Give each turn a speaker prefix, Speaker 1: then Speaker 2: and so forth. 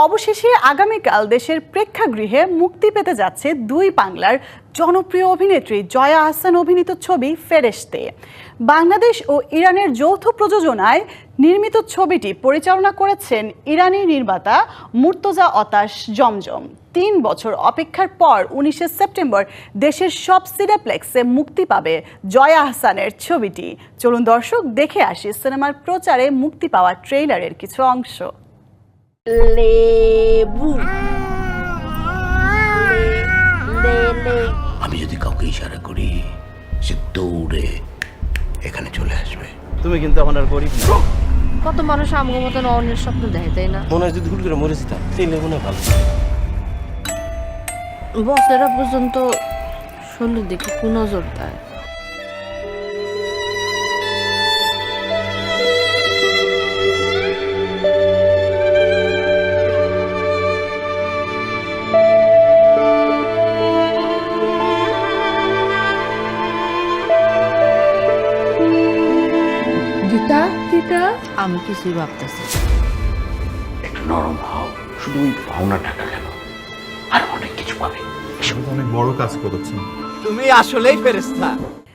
Speaker 1: অবশেষে আগামীকাল দেশের প্রেক্ষাগৃহে মুক্তি পেতে যাচ্ছে দুই বাংলার জনপ্রিয় অভিনেত্রী জয়া আহসান অভিনীত ছবি ফেরেশতে। বাংলাদেশ ও ইরানের যৌথ প্রযোজনায় নির্মিত ছবিটি পরিচালনা করেছেন ইরানি নির্মাতা মুর্তজা অতাশ জমজম। 3 বছর অপেক্ষার পর 19শে সেপ্টেম্বর দেশের সব সিনেপ্লেক্সে মুক্তি পাবে জয়া আহসানের ছবিটি। চলুন দর্শক দেখে আসি সিনেমার প্রচারে মুক্তি পাওয়া ট্রেইলারের কিছু অংশ।
Speaker 2: লেবু
Speaker 3: আমি যদি কাউকে ইশারা করি সে দৌড়ে এখানে চলে আসবে।
Speaker 4: তুমি কিন্তু এখন আর গরিব না।
Speaker 2: কত মানুষ আমগো মতন অন্যের স্বপ্ন দেখে, তাই না?
Speaker 4: মনে হয় যদি হুট করে মরে যেতাম তাইলে মনে হয় ভালো।
Speaker 2: বছরা পর্যন্ত শরীরের দিকে নজর দেয়। গীতা আমি কিছুই ভাবতেছি।
Speaker 3: একটু নরম হও, শুধু ওই পাওনা টাকা কেন, আর অনেক কিছু পাবে।
Speaker 5: অনেক বড় কাজ করেছেন।
Speaker 4: তুমি আসলেই ফেরেশতা।